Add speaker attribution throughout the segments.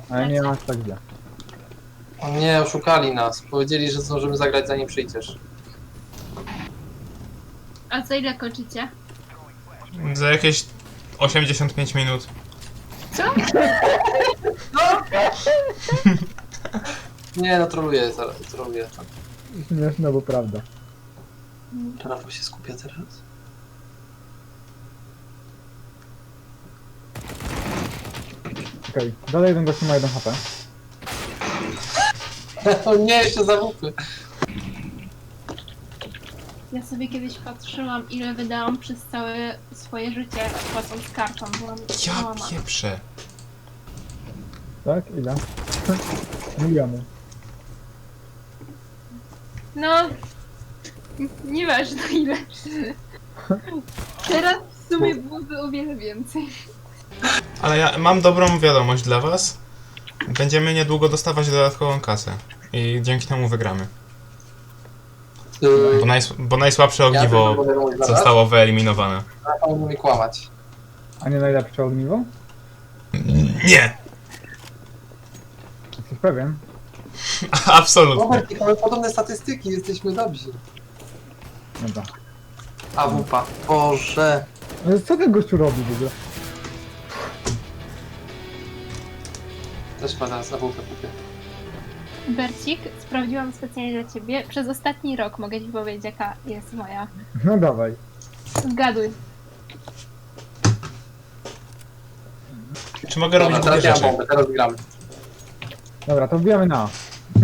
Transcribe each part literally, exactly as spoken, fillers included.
Speaker 1: Ale nie masz tak źle.
Speaker 2: O nie, oszukali nas. Powiedzieli, że zdążymy zagrać zanim przyjdziesz.
Speaker 3: A za ile kończycie?
Speaker 4: Za jakieś osiemdziesiąt pięć minut.
Speaker 3: Co?
Speaker 2: Nie, no troluję, zaraz, troluję.
Speaker 1: Śmieszne, bo prawda.
Speaker 2: Rafał się skupia teraz.
Speaker 1: Okej, okay. Dalej jeden gościu ma jeden H P.
Speaker 2: O nie, jeszcze zawupy.
Speaker 3: Ja sobie kiedyś patrzyłam, ile wydałam przez całe swoje życie płacąc kartą. Byłam
Speaker 4: Ja
Speaker 3: załamana.
Speaker 4: pieprzę.
Speaker 1: Tak? Ile? Miliony.
Speaker 3: No, nieważne ile. Teraz w sumie byłoby o wiele więcej.
Speaker 4: Ale ja mam dobrą wiadomość dla was. Będziemy niedługo dostawać dodatkową kasę. I dzięki temu wygramy.
Speaker 2: Yy,
Speaker 4: Bo, najs bo najsłabsze ogniwo
Speaker 2: tylko mogę mówić zaraz.
Speaker 4: zostało wyeliminowane.
Speaker 2: Rafał nie umie kłamać.
Speaker 1: A nie najlepsze ogniwo?
Speaker 4: Nie!
Speaker 1: Jesteś pewien?
Speaker 4: Absolutnie.
Speaker 2: Robert, mamy podobne statystyki, jesteśmy dobrzy.
Speaker 1: Dobra.
Speaker 2: A wupa. Boże.
Speaker 1: Ale co ten gościu robi w ogóle?
Speaker 2: Też chyba zaraz na wupę kupię.
Speaker 3: Bercik, sprawdziłam specjalnie dla ciebie. Przez ostatni rok mogę ci powiedzieć, jaka jest moja.
Speaker 1: No dawaj.
Speaker 3: Zgaduj.
Speaker 4: Czy mogę robić
Speaker 2: Dobra,
Speaker 4: głupie
Speaker 2: teraz ja mam
Speaker 4: rzeczy?
Speaker 2: bombę, teraz gramy.
Speaker 1: Dobra, to wbijamy na A.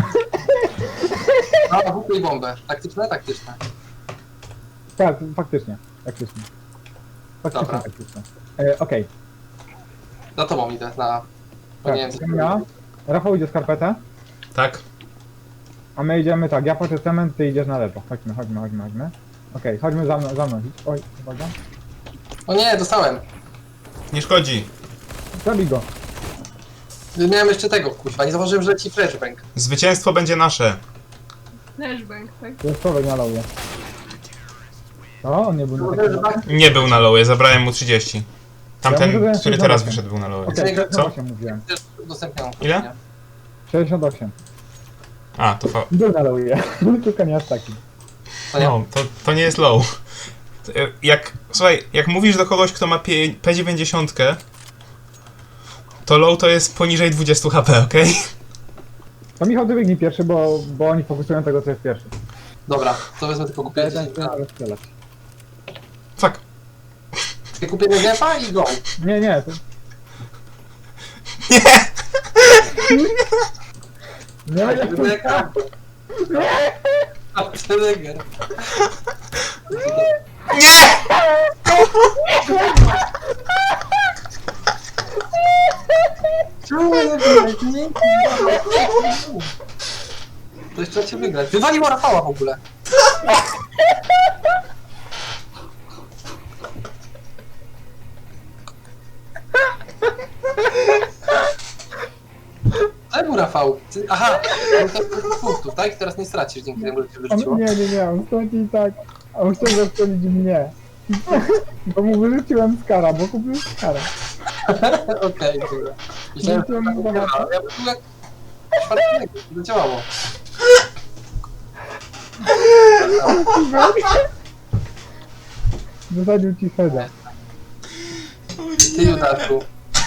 Speaker 2: A, wupę i bombę. Taktyczne? Taktyczne.
Speaker 1: Tak, faktycznie. Faktycznie. Faktycznie
Speaker 2: Dobra.
Speaker 1: taktyczne. E, Okej,
Speaker 2: Za tobą idę, na... Bo
Speaker 1: tak,
Speaker 2: nie wiem, co
Speaker 1: idziemy na A. Rafał idzie skarpetę,
Speaker 4: Tak?
Speaker 1: a my idziemy tak, ja patrzę cement, ty idziesz na lewo. Chodźmy, chodźmy, chodźmy, chodźmy. Okej, chodźmy za mną, za mną. idź. Oj, uwaga.
Speaker 2: O nie, dostałem.
Speaker 4: Nie szkodzi.
Speaker 1: Zabij go.
Speaker 2: Miałem jeszcze tego, kurwa, nie zauważyłem, że leci flashbang.
Speaker 4: Zwycięstwo będzie nasze.
Speaker 3: Flashbang, tak?
Speaker 1: To jest człowiek na lowie. O, on nie był na
Speaker 2: Zauważyłem,
Speaker 1: takim...
Speaker 2: że tak...
Speaker 4: Nie był na lowie, zabrałem mu trzydzieści.
Speaker 1: Ja
Speaker 4: Tamten,
Speaker 1: mówię, że
Speaker 4: który
Speaker 1: jest
Speaker 4: teraz
Speaker 1: na
Speaker 4: wyszedł, był na lowie.
Speaker 1: Okej,
Speaker 2: Co?
Speaker 1: sześćdziesiąt osiem mówiłem.
Speaker 2: Też udostępniam.
Speaker 4: Ile?
Speaker 1: sześćdziesiąt osiem.
Speaker 4: A, to fa...
Speaker 1: Był na lowie, tylko nie aż taki.
Speaker 2: To nie.
Speaker 4: No, to, to nie jest low. Jak, słuchaj, jak mówisz do kogoś, kto ma P dziewięćdziesiąt, to low to jest poniżej dwadzieścia H P, okej?
Speaker 1: To Michał, ty biegnij pierwszy, bo, bo oni fokusują tego, co jest pierwszy.
Speaker 2: Dobra, to wezmę tylko kupię
Speaker 1: Ja
Speaker 2: dziesięć.
Speaker 1: ten chcę strzelać.
Speaker 4: Fuck.
Speaker 2: Ja kupię Negefa i go.
Speaker 1: Nie, nie, to...
Speaker 4: Nie!
Speaker 1: Nie, nie,
Speaker 2: Negefa. A, ten Neger.
Speaker 4: Nie!
Speaker 2: Czemu nie wygrać? Nie, to jeszcze trzeba cię wygrać. Wywaliło Rafała w ogóle. Czemu Rafał? Ty, aha, on tak punktów, tak? Teraz nie stracisz dzięki temu, że cię wyrzuciło.
Speaker 1: on, nie, nie, nie, on straci i tak. A on chciał zastrzelić mnie. Bo mu wyrzuciłem skara, bo kupił skara.
Speaker 2: Okej, dobra. Myślałem, że
Speaker 1: Wyrzuciłem mu
Speaker 2: tak,
Speaker 1: skara.
Speaker 2: ja bym jak czwartego, to działało.
Speaker 1: Wysadził ci Feda.
Speaker 2: Ty, Judaszu.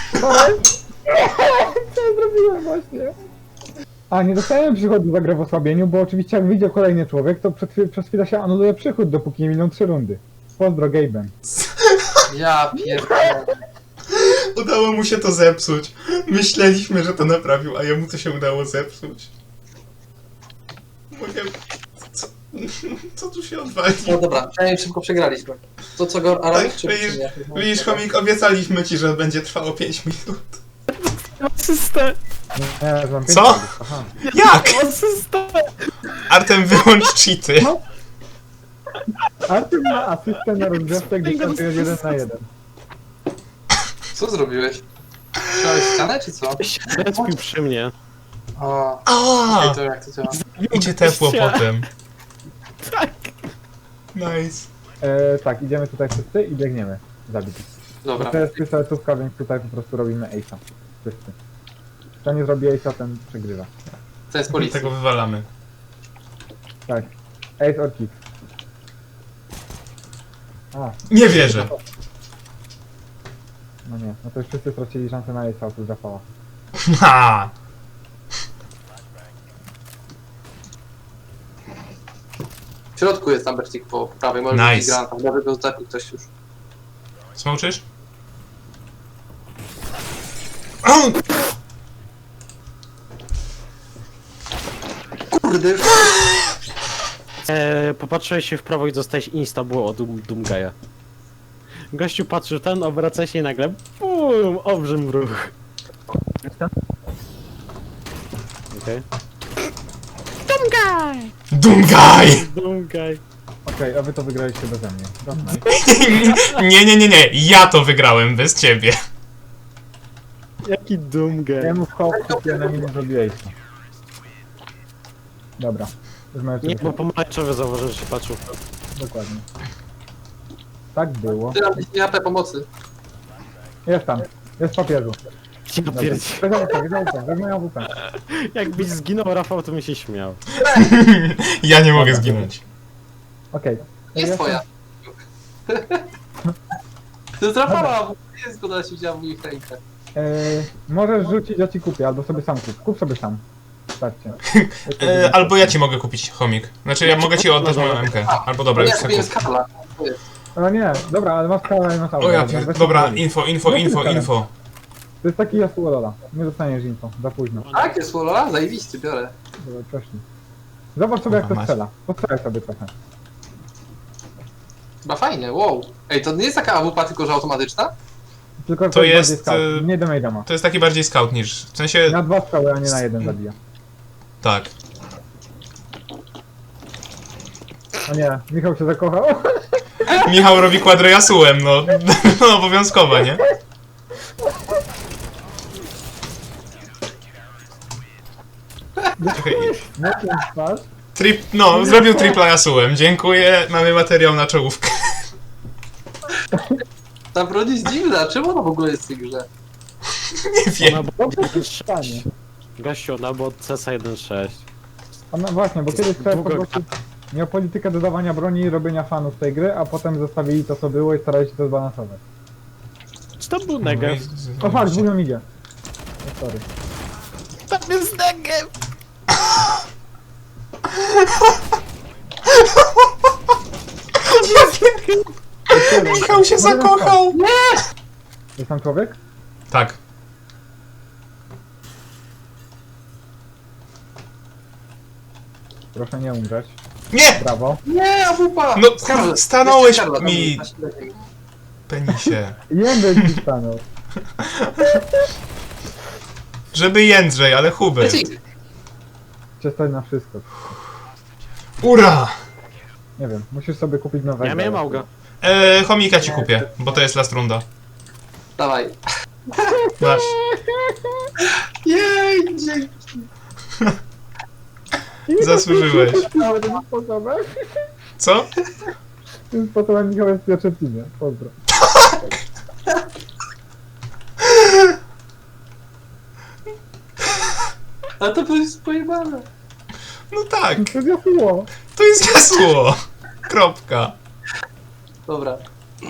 Speaker 1: Co ja zrobiłem właśnie? A, nie dostałem przychodu za grę w osłabieniu, bo oczywiście jak wyjdzie kolejny człowiek, to przed, chwil- przez chwilę się anuluje przychód, dopóki nie miną trzy rundy. Pozdro, Gaben.
Speaker 2: Ja pierdolę.
Speaker 4: Udało mu się to zepsuć. Myśleliśmy, że to naprawił, a jemu to się udało zepsuć. Mówię, co, co tu się odwali?
Speaker 2: No dobra, przynajmniej szybko przegraliśmy. To co go Aramik
Speaker 4: Tak,
Speaker 2: czy
Speaker 4: widzisz,
Speaker 2: czy nie?
Speaker 4: widzisz, chomik, obiecaliśmy ci, że będzie trwało pięć minut.
Speaker 5: Asystę!
Speaker 1: Nie, mam pięć
Speaker 4: Co?
Speaker 1: minut. Aha.
Speaker 4: Jak?
Speaker 5: Asystę!
Speaker 4: Artem, wyłącz cheaty.
Speaker 1: Artur ma asystę na rozgrzewce, gdy startuje jeden na jeden.
Speaker 2: Co zrobiłeś? Trzymałeś ścianę czy co?
Speaker 5: Zrespił przy mnie.
Speaker 2: O,
Speaker 4: A,
Speaker 2: okej, to jak to działa?
Speaker 4: idzie tepło
Speaker 5: Się.
Speaker 4: potem.
Speaker 5: Tak!
Speaker 4: Nice.
Speaker 1: E, tak, idziemy tutaj wszyscy i biegniemy. Zabić.
Speaker 2: Dobra.
Speaker 1: To jest pistoletówka, więc tutaj po prostu robimy ace'a. Wszyscy. Kto nie zrobi ace'a, ten przegrywa.
Speaker 2: To jest policja.
Speaker 4: Tego wywalamy.
Speaker 1: Tak. Ace or kick. A,
Speaker 4: Nie wierzę.
Speaker 1: no nie. No to już wszyscy stracili szansę na ace'a oprócz Rafała.
Speaker 4: Ha!
Speaker 2: W środku jest Amberstick po prawej, może
Speaker 4: Nice.
Speaker 2: być granat, może go zabił ktoś już.
Speaker 4: Smoczysz? O!
Speaker 2: Kurde, już
Speaker 5: Eee, popatrzyłeś się w prawo i dostałeś insta było od Doom, Doomgaya. Gościu patrzył ten, obraca się i nagle bum, obrzym ruch. Okej.
Speaker 4: Dungaj!
Speaker 5: Doomguy.
Speaker 1: Okej, a wy to wygraliście beze mnie. Dobra.
Speaker 4: Nie, nie, nie, nie. Ja to wygrałem bez ciebie.
Speaker 5: Jaki Doomguy.
Speaker 1: Ja mu w hop, kupię na nim zrobi ace'a. Dobra. Już mają
Speaker 5: Nie,
Speaker 1: ciebie.
Speaker 5: bo pomarańczowy zauważył, że się patrzył.
Speaker 1: Dokładnie. Tak było.
Speaker 2: ty nam nie A P pomocy.
Speaker 1: Jest tam. Jest w papieru.
Speaker 5: Ja
Speaker 1: Dobra.
Speaker 5: pierdzie-
Speaker 1: Weź A W P, weź A W P, weź moją A W P.
Speaker 5: Jakbyś zginął, Rafał, to mi się śmiał.
Speaker 4: Ja nie mogę zginąć.
Speaker 1: Okej.
Speaker 2: Jest twoja. To jest Rafała, nie jest zgoda, się widziała w moich rękach.
Speaker 1: Eee, możesz rzucić, ja ci kupię, albo sobie sam kup. Kup sobie sam. Starcie.
Speaker 4: E, albo ja ci mogę kupić chomik. Znaczy ja mogę ci oddać moją M K. Albo dobra,
Speaker 2: Ja
Speaker 4: już
Speaker 2: kupiłem
Speaker 4: sobie kup.
Speaker 2: skala. To jest.
Speaker 1: No nie, dobra, ale masz kawę i masz auto.
Speaker 4: O ja
Speaker 1: Weź
Speaker 4: pier...
Speaker 1: sobie
Speaker 4: Dobra,
Speaker 1: kupić.
Speaker 4: info, info, info, info.
Speaker 1: To jest taki Yasuo Lola. Nie dostaniesz info, za późno.
Speaker 2: Tak, jest Wolola? Zajebiście, biorę.
Speaker 1: Dobra, proszę. Zobacz sobie jak
Speaker 4: Kurwa,
Speaker 1: to
Speaker 4: mać.
Speaker 1: strzela. Postrzelaj sobie trochę.
Speaker 2: Chyba fajne, wow. Ej, to nie jest taka A W P, tylko że automatyczna?
Speaker 1: Tylko
Speaker 4: To jest,
Speaker 1: bardziej scout.
Speaker 4: e,
Speaker 1: Nie damage ma.
Speaker 4: To jest taki bardziej scout niż... W sensie...
Speaker 1: Na dwa strzały, a nie na jeden zabija.
Speaker 4: Tak.
Speaker 1: O nie, Michał się zakochał.
Speaker 4: Michał robi kwadrę Yasułem, no. No obowiązkowa, nie? Okej.
Speaker 1: Na tym twarz.
Speaker 4: Trip... No, zrobił tripla Yasułem. Dziękuję, mamy materiał na czołówkę.
Speaker 2: Ta broń jest dziwna, czemu ona w ogóle jest w tej grze?
Speaker 4: Nie wiem.
Speaker 5: Ona była
Speaker 1: Dobrze się
Speaker 5: jeden
Speaker 1: stanie.
Speaker 5: sześć. Gościu, ona była C S jeden sześć.
Speaker 1: A no właśnie, bo kiedyś chciałem
Speaker 5: Długo-
Speaker 1: po prostu... Miał politykę dodawania broni i robienia fanów tej gry, a potem zostawili to co było i starali się to zbalansować.
Speaker 5: Czy to był Negev?
Speaker 1: O fakt, dwóch nam idzie. O, sorry.
Speaker 5: Tam jest Negev!
Speaker 4: Michał się zakochał!
Speaker 1: Jest tam człowiek?
Speaker 4: Tak.
Speaker 1: Proszę nie umrzeć.
Speaker 4: Nie!
Speaker 1: Brawo.
Speaker 2: Nie, A W P!
Speaker 4: No,
Speaker 2: Skarla,
Speaker 4: stanąłeś
Speaker 2: jeszcze Skarla, tam
Speaker 4: mi.
Speaker 2: jest na środku.
Speaker 4: Penisie.
Speaker 1: Jędrek ci stanął.
Speaker 4: Żeby Jędrzej, ale Hubert.
Speaker 2: Leci.
Speaker 1: Cię stać na wszystko.
Speaker 4: Ura!
Speaker 1: Nie wiem, musisz sobie kupić nowego.
Speaker 5: Ja miałem Auga.
Speaker 4: Eee, chomika ci kupię, bo to jest last runda.
Speaker 2: Dawaj.
Speaker 4: Masz.
Speaker 2: Jej, dzięki.
Speaker 4: Zasłużyłeś.
Speaker 1: Ale tym sposobem?
Speaker 4: Co?
Speaker 1: Tym sposobem Michał jest w pierwszym teamie. Pozdro.
Speaker 2: A to jest pojebane.
Speaker 4: No tak,
Speaker 1: To jest jasło.
Speaker 4: to jest jasło. Kropka.
Speaker 2: Dobra.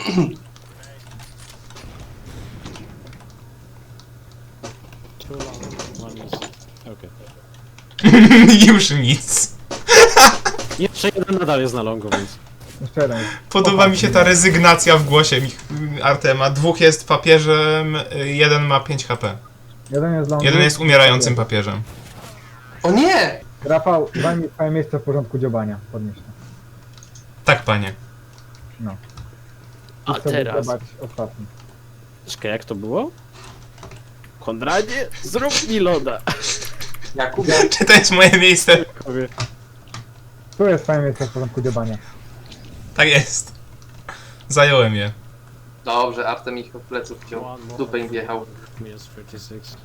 Speaker 5: Okej.
Speaker 4: Już nic.
Speaker 5: Jeszcze jeden nadal jest na longu, więc...
Speaker 1: Jeszcze jeden.
Speaker 4: Podoba mi się ta rezygnacja w głosie Mich- Artema. Dwóch jest papieżem, jeden ma pięć H P.
Speaker 1: Jeden jest dla
Speaker 4: Jeden jest umierającym papieżem.
Speaker 2: O nie!
Speaker 1: Rafał, zajmij swoje miejsce w porządku dziobania. Podnieś to.
Speaker 4: Tak, panie.
Speaker 1: No.
Speaker 5: A
Speaker 1: Chcę
Speaker 5: teraz...
Speaker 1: zobacz ostatni.
Speaker 5: Czekaj, jak to było? Konradzie, zrób mi loda!
Speaker 2: Jakub,
Speaker 4: Czy to jest moje miejsce?
Speaker 5: Powie.
Speaker 1: Tu jest swoje miejsce w porządku dziobania.
Speaker 4: Tak jest. Zająłem je.
Speaker 2: dobrze, Artem ich od pleców wziął. W dupę im wjechał.
Speaker 5: Minus trzydzieści sześć.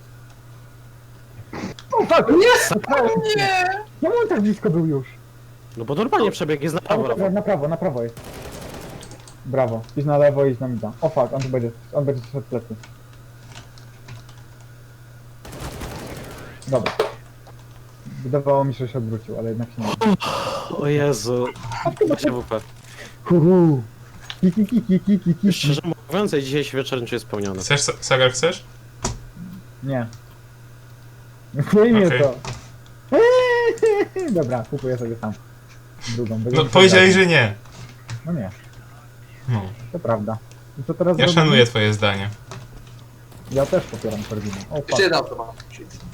Speaker 1: O fuck! Nie! Nie! Czemu on tak blisko był już?
Speaker 5: No bo normalnie przebieg jest na prawo,
Speaker 1: Prawo,
Speaker 5: Rafał.
Speaker 1: na prawo, na prawo jest. Brawo. Idź na lewo, idź na mida. O fuck, on tu będzie, on będzie szedł plecy. Dobra. Wydawało mi się, że się odwrócił, ale jednak się nie.
Speaker 5: O Jezu. Się W P.
Speaker 1: Huhu. Kiki, kiki, kiki, kiki.
Speaker 5: Szczerze mówiąc, ja dzisiaj wieczorem czuję spełniony.
Speaker 4: Chcesz, Sa- Sagar, chcesz?
Speaker 1: Nie. Nie mnie
Speaker 4: Okej.
Speaker 1: to. Dobra, kupuję sobie sam. Drugą. Będę
Speaker 4: No
Speaker 1: musiał
Speaker 4: powiedziałeś,
Speaker 1: grać.
Speaker 4: że nie.
Speaker 1: No nie,
Speaker 4: No.
Speaker 1: to prawda. I co teraz
Speaker 4: Ja
Speaker 1: robimy?
Speaker 4: szanuję twoje zdanie.
Speaker 1: Ja też popieram Korwina. O,
Speaker 2: Jeszcze
Speaker 1: patrz.
Speaker 2: jeden automat. Shit.